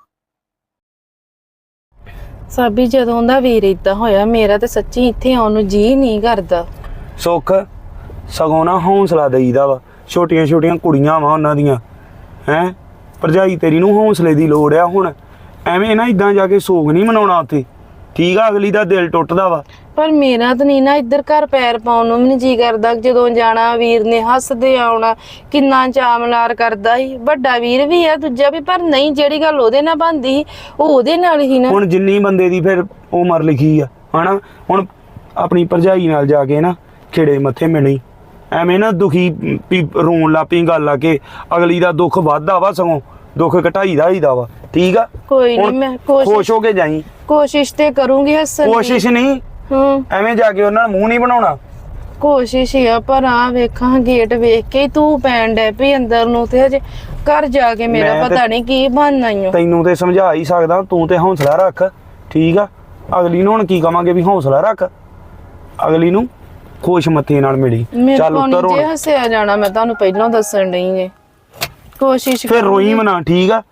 S4: ਸਾਬੀ ਜਦੋਂ ਦਾ ਵੀਰ ਏਦਾਂ ਹੋਇਆ, ਮੇਰਾ ਤੇ ਸੱਚੀ ਇੱਥੇ ਆਉਣ ਨੂੰ ਜੀ ਨਹੀਂ ਕਰਦਾ।
S5: ਸੁੱਖ ਸਗੋਂ ਨਾ ਹੌਸਲਾ ਦੇਈਦਾ ਵਾ। ਛੋਟੀਆਂ ਛੋਟੀਆਂ ਕੁੜੀਆਂ ਵਾ ਉਹਨਾਂ ਦੀਆਂ, ਹੈਂ? ਭਰਜਾਈ ਤੇਰੀ ਨੂੰ ਹੌਸਲੇ ਦੀ ਲੋੜ ਆ। ਹੁਣ ਐਵੇਂ ਨਾ ਇਦਾਂ ਜਾ ਕੇ ਸੋਗ ਨਹੀਂ ਮਨਾਉਣਾ ਉੱਥੇ, ਠੀਕ ਆ? ਅਗਲੀ ਦਾ ਦਿਲ ਟੁੱਟਦਾ ਵਾ।
S4: ਪਰ ਮੇਰਾ ਤਾਂ ਨਹੀਂ ਨਾ ਇੱਧਰ ਘਰ ਪੈਰ ਪਾਉਣ ਨੂੰ ਵੀ ਨਹੀਂ ਜੀ ਕਰਦਾ। ਜਦੋਂ ਜਾਣਾ ਵੀਰ ਨੇ ਹੱਸਦੇ ਆਉਣਾ, ਕਿੰਨਾ ਚਾਮਲਾਰ ਕਰਦਾ ਸੀ। ਵੱਡਾ ਵੀਰ ਵੀ ਆ, ਦੂਜਾ ਵੀ, ਪਰ ਨਹੀਂ, ਜਿਹੜੀ ਗੱਲ ਉਹਦੇ ਨਾਲ ਬਣਦੀ ਸੀ ਉਹ ਉਹਦੇ ਨਾਲ ਹੀ ਨਾ।
S5: ਹੁਣ ਜਿੰਨੀ ਬੰਦੇ ਦੀ ਫਿਰ ਉਮਰ ਲਿਖੀ ਆ, ਹਨਾ? ਹੁਣ ਆਪਣੀ ਭਰਜਾਈ ਨਾਲ ਜਾ ਕੇ ਨਾ ਖਿੜੇ ਮੱਥੇ ਮਿਲੀ, ਐਵੇਂ ਨਾ ਦੁਖੀ ਵੀ ਰੋਣ ਲੱਗ ਪਈ ਗੱਲ ਆ ਕੇ। ਅਗਲੀ ਦਾ ਦੁੱਖ ਵੱਧਦਾ ਵਾ, ਸਗੋਂ ਦੁੱਖ ਘਟਾਈਦਾ ਹੀਦਾ ਵਾ, ਠੀਕ ਆ
S4: ਕੋਈ ਨਹੀਂ
S5: ਹੁਣ
S4: ਮੈਂ ਕੋਸ਼ਿਸ਼
S5: ਖੁਸ਼ ਹੋ ਕੇ ਜਾਈ।
S4: ਕੋਸ਼ਿਸ਼ ਤੇ ਕਰੂੰਗੀ ਹੱਸਣ ਦੀ।
S5: ਕੋਸ਼ਿਸ਼ ਨਹੀਂ,
S4: ਹੂੰ
S5: ਐਵੇਂ ਜਾ ਕੇ ਉਹਨਾਂ ਨੂੰ ਮੂੰਹ ਨਹੀਂ ਬਣਾਉਣਾ।
S4: ਕੋਸ਼ਿਸ਼ ਹੀ ਆ, ਪਰ ਆ ਵੇਖਾਂ ਗੇਟ ਵੇਖ ਕੇ ਹੀ ਤੂੰ ਪੈਣ ਡੈ ਪਈ ਅੰਦਰ ਨੂੰ, ਤੇ ਹਜੇ ਘਰ ਜਾ ਕੇ ਮੇਰਾ
S5: ਮੈਂ ਤੇ-
S4: ਪਤਾ ਨਹੀਂ ਕੀ ਬਣਨਾ ਈ ਓ।
S5: ਤੈਨੂੰ ਤੇ ਸਮਝਾ ਹੀ ਸਕਦਾ, ਤੂੰ ਤੇ ਹੌਸਲਾ ਰੱਖ, ਠੀਕ ਆ। ਅਗਲੀ ਨੂੰ ਹੁਣ ਕੀ ਕਵਾਂਗੇ ਵੀ ਹੌਸਲਾ ਰੱਖ, ਅਗਲੀ ਨੂੰ ਖੁਸ਼ ਮੱਥੇ ਨਾਲ ਮਿਲੀ।
S4: ਮੇਰੇ
S5: ਚੱਲ
S4: ਕੋਲ
S5: ਉੱਤਰ
S4: ਨਹੀਂ ਜੇ
S5: ਹੁਣ,
S4: ਹੱਸਿਆ ਜਾਣਾ, ਮੈਂ ਤੁਹਾਨੂੰ ਪਹਿਲਾਂ ਦੱਸਣ ਡਈ ਜੇ। ਕੋਸ਼ਿਸ਼
S5: ਫਿਰ ਰੋਈ ਮਨਾ, ਠੀਕ ਆ।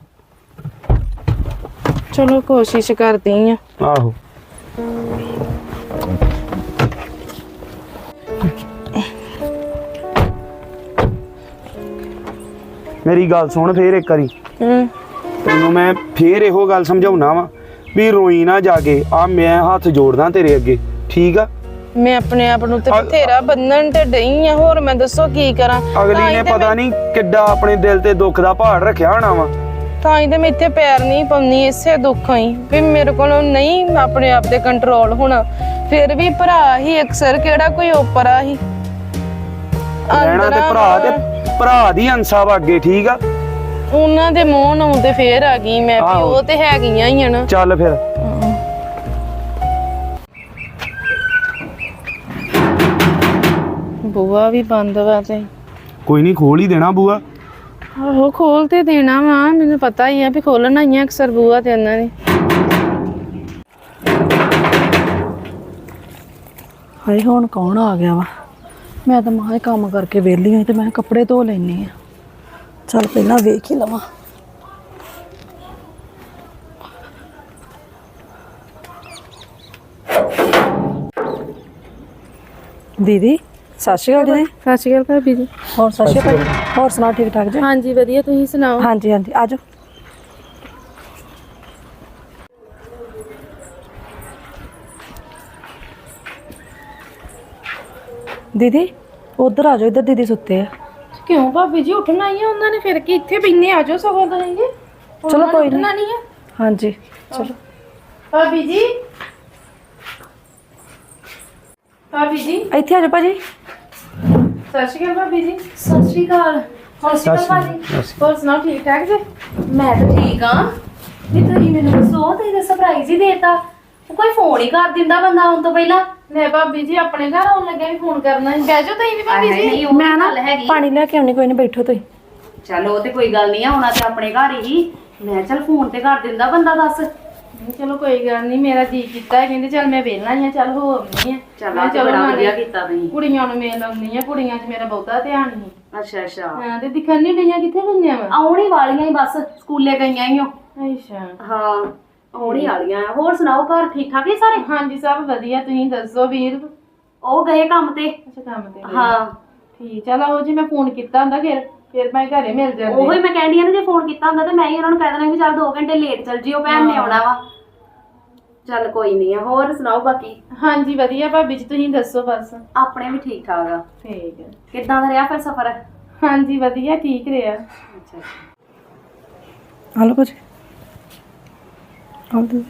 S4: ਚਲੋ ਕੋਸ਼ਿਸ਼ ਕਰਦੀ ਆ।
S5: ਆਹੋ ਮੇਰੀ ਗੱਲ ਸੁਣ ਫੇਰ ਇੱਕ ਵਾਰੀ,
S4: ਹੂੰ
S5: ਤੈਨੂੰ ਮੈਂ ਫੇਰ ਇਹੋ ਗੱਲ ਸਮਝਾਉਣਾ ਵਾ ਵੀ ਰੋਈ ਨਾ ਜਾ ਕੇ। ਆ ਮੈਂ ਹੱਥ ਜੋੜਦਾ ਤੇਰੇ ਅੱਗੇ, ਠੀਕ ਆ।
S4: ਮੈਂ ਆਪਣੇ ਆਪ ਨੂੰ ਤੇ
S5: ਅ-
S4: ਬਥੇਰਾ ਬੰਨਣ ਤੇ ਡਈ ਆ, ਹੋਰ ਮੈਂ ਦੱਸੋ ਕੀ ਕਰਾਂ। ਤਾਂ
S5: ਅਗਲੀ
S4: ਹੀ
S5: ਨੇ
S4: ਤੇ
S5: ਪਤਾ
S4: ਮੈਂ-
S5: ਨਹੀਂ ਕਿੱਡਾ ਆਪਣੇ ਦਿਲ ਤੇ ਦੁੱਖ ਦਾ ਪਹਾੜ ਰੱਖਿਆ ਹੋਣਾ ਵਾ।
S4: ਤਾਂ ਹੀ ਤੇ ਮੈਂ ਇੱਥੇ ਪੈਰ ਨਹੀਂ ਪਾਉਂਦੀ, ਇਸੇ ਦੁੱਖਾਂ ਹੀ ਵੀ ਮੇਰੇ ਕੋਲੋਂ ਨਹੀਂ ਆਪਣੇ ਆਪ ਤੇ ਕੰਟਰੋਲ ਹੋਣਾ। ਫਿਰ ਵੀ ਭਰਾ ਹੀ ਅਕਸਰ ਕਿਹੜਾ ਕੋਈ ਓਪਰਾ ਹੀ
S5: ਰਹਿਣਾ ਤੇ ਭਰਾ ਤੇ ਭਰਾ ਦੀ ਅੰਸਾ ਵਾ ਅੱਗੇ, ਠੀਕ ਆ।
S4: ਉਹਨਾਂ ਦੇ ਮੂੰਹ ਨੂੰ ਤੇ ਫੇਰ ਆ ਗਈ ਮੈਂ ਵੀ
S5: ਆਹੋ।
S4: ਉਹ ਤੇ ਹੈਗੀਆਂ ਹੀ ਆ ਨਾ।
S5: ਚੱਲ ਫਿਰ
S4: ਬੂਆ ਵੀ ਬੰਦ ਵਾ ਤੇ
S5: ਕੋਈ ਨਹੀਂ, ਖੋਲ ਹੀ ਦੇਣਾ ਬੂਆ।
S4: ਆਹੋ ਖੋਲ ਤੇ ਦੇਣਾ ਵਾ, ਮੈਨੂੰ ਪਤਾ ਹੀ ਆ ਵੀ ਖੋਲਣਾ ਹੀ ਆ ਅਕਸਰ ਬੂਆ ਤੇ ਉਹਨਾਂ ਨੇ।
S1: ਹਾਏ ਹੁਣ ਕੌਣ ਆ ਗਿਆ ਵਾ? ਮੈਂ ਤਾਂ ਮਾਂ ਕੰਮ ਕਰਕੇ ਵਿਹਲੀ ਹੋਈ ਤੇ ਮੈਂ ਕੱਪੜੇ ਧੋ ਲੈਣੀ ਆ। ਚੱਲ ਪਹਿਲਾਂ ਵੇਖ ਹੀ ਲਵਾਂ। ਦੀਦੀ ਸਤਿ ਸ਼੍ਰੀ ਅਕਾਲ ਦੀਦੀ।
S4: ਸਤਿ ਸ਼੍ਰੀ ਅਕਾਲ ਭਾਬੀ ਜੀ।
S1: ਹੋਰ ਸਤਿ ਸ਼੍ਰੀ ਅਕਾਲ। ਹੋਰ ਸੁਣਾ ਠੀਕ ਠਾਕ ਜੀ?
S4: ਹਾਂਜੀ ਵਧੀਆ, ਤੁਸੀਂ ਸੁਣਾਓ?
S1: ਹਾਂਜੀ ਹਾਂਜੀ ਆ ਜਾਓ। ਦੀਦੀ ਉਧਰ ਆ ਜਾਓ, ਇੱਧਰ ਦੀਦੀ ਸੁੱਤੇ ਆ।
S4: ਕਿਉਂ ਭਾਬੀ ਜੀ, ਉੱਠਣਾ ਹੀ ਆ ਉਹਨਾਂ ਨੇ, ਫਿਰ ਕੀ ਇੱਥੇ ਬੈਠੇ ਆ ਜਾਓ ਸਗੋਂ ਤੁਸੀਂ ਜੀ।
S1: ਚਲੋ ਕੋਈ
S4: ਉੱਠਣਾ
S1: ਨਹੀਂ।
S4: ਨਹੀਂ ਆ
S1: ਹਾਂਜੀ ਚਲੋ।
S4: ਭਾਬੀ ਜੀ। ਭਾਬੀ ਜੀ
S1: ਇੱਥੇ ਆ ਜਾਓ ਭਾਜੀ।
S4: ਸਤਿ ਸ਼੍ਰੀ ਅਕਾਲ ਭਾਬੀ ਜੀ।
S3: ਸਤਿ ਸ਼੍ਰੀ ਅਕਾਲ।
S4: ਸਤਿ ਸ਼੍ਰੀ ਅਕਾਲ ਭਾਜੀ। ਹੋਰ ਸੁਣਾਓ ਠੀਕ ਠਾਕ ਜੀ?
S3: ਮੈਂ ਤਾਂ ਠੀਕ ਆ। ਵੀ ਤੁਸੀਂ ਮੈਨੂੰ ਦੱਸੋ, ਤੁਸੀਂ ਤਾਂ ਸਰਪ੍ਰਾਈਜ਼ ਹੀ ਦੇਤਾ। ਕੋਈ ਫੋਨ ਹੀ ਕਰ ਦਿੰਦਾ ਬੰਦਾ ਆਉਣ ਤੋਂ ਪਹਿਲਾਂ।
S4: ਮੈਂ ਭਾਬੀ ਜੀ ਆਪਣੇ ਘਰ ਆਉਣ ਲੱਗਿਆ ਵੀ ਫੋਨ ਕਰਨਾ ਸੀ। ਬਹਿ ਜਾਓ ਤੁਸੀਂ ਵੀ ਭਾਬੀ ਜੀ।
S3: ਨਹੀਂ, ਉਹ
S1: ਮੈਂ ਨਾ
S3: ਗੱਲ ਹੈਗੀ।
S1: ਪਾਣੀ ਲੈ ਕੇ ਆਉਣੀ, ਕੋਈ ਨਹੀਂ ਬੈਠੋ ਤੁਸੀਂ।
S3: ਚਲ ਉਹ ਤੇ ਕੋਈ ਗੱਲ ਨਹੀਂ ਆ, ਆਉਣਾ ਤੇ ਆਪਣੇ ਘਰ ਹੀ। ਮੈਂ ਚਲ ਫੋਨ ਤੇ ਕਰ ਦਿੰਦਾ ਬੰਦਾ, ਦੱਸ।
S4: ਨਹੀਂ, ਚਲੋ ਕੋਈ ਗੱਲ ਨਹੀਂ, ਮੇਰਾ ਜੀ ਕੀਤਾ ਹੈ, ਕਹਿੰਦੇ ਚੱਲ ਮੈਂ ਵੇਲਣਾ ਹੀ ਆ, ਚੱਲ ਹੋ ਆਉਂਦੀ ਆ।
S3: ਚੱਲ
S4: ਮੈਂ
S3: ਆ ਤੇ ਬੜਾ
S4: ਨਾਲੇ
S3: ਵਧੀਆ ਕੀਤਾ ਤੁਸੀਂ।
S4: ਕੁੜੀਆਂ ਨੂੰ ਮੇਲ ਆਉਂਦੀ ਆ, ਕੁੜੀਆਂ 'ਚ ਮੇਰਾ ਬਹੁਤਾ ਧਿਆਨ ਨਹੀਂ।
S3: ਅੱਛਾ ਅੱਛਾ,
S4: ਹਾਂ ਤੇ ਦਿਖਣ ਨਹੀਂ ਡਈਆਂ, ਕਿੱਥੇ ਗਈਆਂ ਵਾ?
S3: ਆਉਣ ਹੀ ਵਾਲੀਆਂ ਹੀ ਬਸ, ਸਕੂਲੇ ਗਈਆਂ ਹੀ ਹੋ।
S4: ਅੱਛਾ
S3: ਹਾਂ ਆਉਣ ਹੀ ਵਾਲੀਆਂ ਆ। ਹੋਰ ਸੁਣਾਓ, ਘਰ ਠੀਕ ਠਾਕ ਹੀ ਸਾਰੇ?
S4: ਹਾਂਜੀ ਸਭ ਵਧੀਆ, ਤੁਸੀਂ ਦੱਸੋ ਵੀਰ?
S3: ਉਹ ਗਏ ਕੰਮ ਤੇ।
S4: ਅੱਛਾ ਕੰਮ ਤੇ ਗਏ।
S3: ਹਾਂ
S4: ਠੀਕ, ਚਲ ਆਓ ਜੀ, ਮੈਂ ਫੋਨ ਕੀਤਾ ਹੁੰਦਾ ਫਿਰ ਫਿਰ ਮੈਂ ਘਰੇ ਮਿਲ ਜਾਂਦੀ।
S3: ਉਹੀ ਮੈਂ ਕਹਿੰਦੀ ਆ ਨਾ, ਜੇ ਫੋਨ ਕੀਤਾ ਹੁੰਦਾ ਤੇ ਮੈਂ ਹੀ ਉਹਨਾਂ ਨੂੰ ਕਹਿ ਦੇਣਾ ਵੀ ਚੱਲ ਦੋ ਘੰਟੇ ਲੇਟ ਚੱਲ ਜਿਓ, ਭੈਣ ਨੇ ਆਉਣਾ ਵਾ। ਚੱਲ ਕੋਈ ਨਹੀਂ ਆ। ਹੋਰ ਸੁਣਾਓ ਬਾਕੀ?
S4: ਹਾਂਜੀ ਵਧੀਆ ਭਾਬੀ ਜੀ, ਤੁਸੀਂ ਦੱਸੋ ਬਸ।
S3: ਆਪਣੇ ਵੀ ਠੀਕ ਠਾਕ ਆ।
S4: ਠੀਕ ਹੈ।
S3: ਕਿੱਦਾਂ ਦਾ ਰਿਹਾ ਫਿਰ ਸਫ਼ਰ?
S4: ਹਾਂਜੀ ਵਧੀਆ, ਠੀਕ ਰਿਹਾ।
S3: ਅੱਛਾ
S1: ਆ ਲਓ ਭਾਜੀ। ਆ ਲਓ।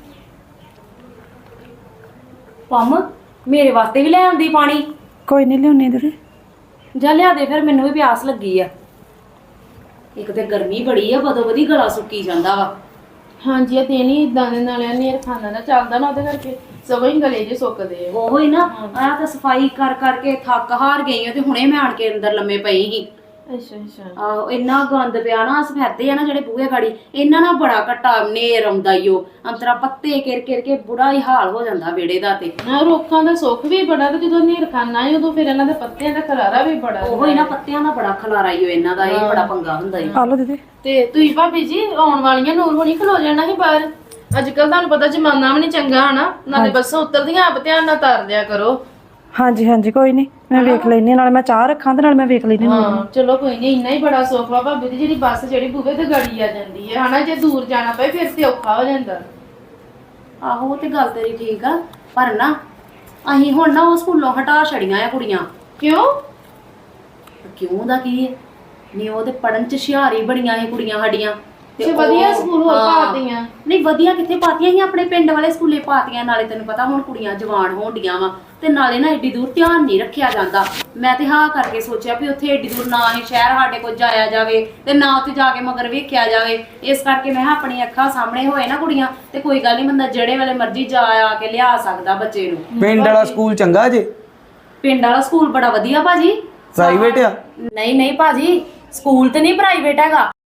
S3: ਪੰਮ, ਮੇਰੇ ਵਾਸਤੇ ਵੀ ਲੈ ਆਉਂਦੀ ਪਾਣੀ।
S1: ਕੋਈ ਨਹੀਂ ਲਿਆਉਣੀ ਦੀਦੀ।
S3: ਜਾ ਲਿਆ ਦੇ ਫਿਰ, ਮੈਨੂੰ ਵੀ ਪਿਆਸ ਲੱਗੀ ਆ। ਇੱਕ ਤੇ ਗਰਮੀ ਬੜੀ ਆ, ਬਦੋ ਬਦੀ ਗਲਾ ਸੁੱਕੀ ਜਾਂਦਾ ਵਾ।
S4: ਹਾਂਜੀ ਇਹ ਤੇ ਨਹੀਂ ਇਦਾਂ ਦੇ ਨਾਲ ਨੇਰ ਖਾਣਾ ਨਾ ਚੱਲਦਾ ਨਾ, ਉਹਦੇ ਕਰਕੇ ਸਗੋਂ ਹੀ ਗਲੇ ਜੇ ਸੁੱਕਦੇ ਆ।
S3: ਉਹੋ ਹੀ ਨਾ, ਆ ਤਾਂ ਸਫਾਈ ਕਰ ਕਰਕੇ ਥੱਕ ਹਾਰ ਗਈ ਆ ਤੇ ਹੁਣੇ ਮੈਂ ਆਣ ਕੇ ਅੰਦਰ ਲੰਮੇ ਪਈ ਸੀ।
S4: ਅੱਛਾ ਅੱਛਾ।
S3: ਆਹੋ ਇੰਨਾ ਗੰਦ ਪਿਆ ਨਾ, ਸਫੈਦੇ ਆ ਨਾ ਜਿਹੜੇ ਬੂਹੇ ਗਾੜੀ, ਇਹਨਾਂ ਨਾਲ ਬੜਾ ਘਟਾ ਨੇਰ ਆਉਂਦਾ ਈ ਓ। ਅੰਤਰਾ ਪੱਤੇ ਕਿਰ ਕਿਰ ਕੇ ਬੁੜਾ ਹੀ ਹਾਲ ਹੋ ਜਾਂਦਾ ਵਿਹੜੇ ਦਾ। ਤੇ
S4: ਨਾ ਰੁੱਖਾਂ ਦਾ ਸੁੱਖ ਵੀ ਬੜਾ, ਤੇ ਜਦੋਂ ਨੇਰ ਖਾਣਾ ਹੈ ਉਦੋਂ ਫਿਰ ਇਹਨਾਂ ਦੇ ਪੱਤਿਆਂ ਦਾ ਖਲਾਰਾ ਵੀ ਬੜਾ।
S3: ਉਹੋ ਹੀ ਨਾ, ਪੱਤਿਆਂ ਦਾ ਬੜਾ ਖਲਾਰਾ ਈ ਓ ਇਹਨਾਂ ਦਾ, ਇਹ ਬੜਾ ਪੰਗਾ ਹੁੰਦਾ ਈ।
S1: ਆ ਲਓ ਦੀਦੀ।
S4: ਤੇ ਤੁਸੀਂ ਭਾਬੀ ਜੀ ਆਉਣ ਵਾਲੀਆਂ ਨੂਰ ਹੋਣੀ ਖਲੋ ਜਾਣਾ ਸੀ ਬਾਹਰ। ਅੱਜ ਕੱਲ ਤੁਹਾਨੂੰ ਪਤਾ ਜ਼ਮਾਨਾ ਵੀ ਨਹੀਂ ਚੰਗਾ ਹਨਾ, ਨਾਲੇ ਬੱਸਾਂ ਉਤਰਦੀਆਂ ਆਪ ਧਿਆਨ ਨਾਲ ਤਾਰ ਦਿਆ ਕਰੋ।
S1: ਹਾਂਜੀ ਹਾਂਜੀ ਕੋਈ ਨਹੀਂ, ਮੈਂ ਵੇਖ ਲੈਣੀ, ਨਾਲ ਮੈਂ ਚਾਹ ਰੱਖਾਂ ਤੇ ਨਾਲ ਮੈਂ ਵੇਖ ਲੈਣੀ।
S4: ਹਾਂ ਚਲੋ ਕੋਈ ਨਹੀਂ, ਇੰਨਾ ਹੀ ਬੜਾ ਸੁੱਖ ਵਾ ਭਾਬੀ ਦੀ, ਜਿਹੜੀ ਬੱਸ ਜਿਹੜੀ ਬੂਹੇ ਤੇ ਗੜੀ ਆ ਜਾਂਦੀ ਹੈ ਹਨਾ। ਜੇ ਦੂਰ ਜਾਣਾ ਪਏ ਫਿਰ ਤੇ ਔਖਾ ਹੋ ਜਾਂਦਾ।
S3: ਆਹੋ ਉਹ ਤੇ ਗੱਲ ਤੇਰੀ ਠੀਕ ਆ, ਪਰ ਨਾ ਅਸੀਂ ਹੁਣ ਨਾ ਉਹ ਸਕੂਲੋਂ ਹਟਾ ਛੜੀਆਂ ਆ ਕੁੜੀਆਂ।
S4: ਕਿਉਂ?
S3: ਕਿਉਂ ਦਾ ਕੀ ਹੈ? ਨਹੀਂ ਉਹ ਤੇ ਪੜਨ ਚ ਹੁਸ਼ਿਆਰ ਹੀ ਬੜੀਆਂ ਇਹ ਕੁੜੀਆਂ ਸਾਡੀਆਂ।
S4: ਤੇ ਵਧੀਆ ਸਕੂਲ ਹੋਰ
S6: ਹਾਂ।
S4: ਪਾਤੀਆਂ।
S6: ਨਹੀਂ ਵਧੀਆ ਕਿੱਥੇ ਪਾਤੀਆਂ ਸੀ, ਆਪਣੇ ਪਿੰਡ ਵਾਲੇ ਸਕੂਲੇ ਪਾਤੀਆਂ। ਨਾਲੇ ਤੈਨੂੰ ਪਤਾ ਹੁਣ ਕੁੜੀਆਂ ਜਵਾਨ ਹੋਣ ਡੀਆਂ ਵਾ, ਤੇ ਨਾਲੇ ਨਾ ਏਡੀ ਦੂਰ ਧਿਆਨ ਨਹੀਂ ਰੱਖਿਆ ਜਾਂਦਾ। ਮੈਂ ਤੇ ਹਾਂ ਕਰਕੇ ਸੋਚਿਆ ਵੀ ਉੱਥੇ ਏਡੀ ਦੂਰ ਨਾ ਹੀ ਸ਼ਹਿਰ ਸਾਡੇ ਕੋਲ ਜਾਇਆ ਜਾਵੇ ਤੇ ਨਾ ਉੱਥੇ ਜਾ ਕੇ ਮਗਰ ਵੇਖਿਆ ਜਾਵੇ। ਇਸ ਕਰਕੇ ਮੈਂ ਕਿਹਾ ਆਪਣੀ ਅੱਖਾਂ ਸਾਹਮਣੇ ਹੋਏ ਨਾ ਕੁੜੀਆਂ ਤੇ ਕੋਈ ਗੱਲ ਨਹੀਂ, ਬੰਦਾ ਜਿਹੜੇ ਵੇਲੇ ਮਰਜ਼ੀ ਜਾ ਆ ਕੇ ਲਿਆ ਸਕਦਾ ਬੱਚੇ ਨੂੰ।
S5: ਪਿੰਡ ਵਾਲਾ ਸਕੂਲ ਚੰਗਾ ਜੇ?
S6: ਪਿੰਡ ਵਾਲਾ ਸਕੂਲ ਬੜਾ ਵਧੀਆ ਭਾਜੀ।
S5: ਪ੍ਰਾਈਵੇਟ ਆ?
S6: ਨਹੀਂ ਨਹੀਂ ਭਾਜੀ, ਸਕੂਲ ਤੇ ਨਹੀਂ ਪ੍ਰਾਈਵੇਟ ਹੈਗਾ,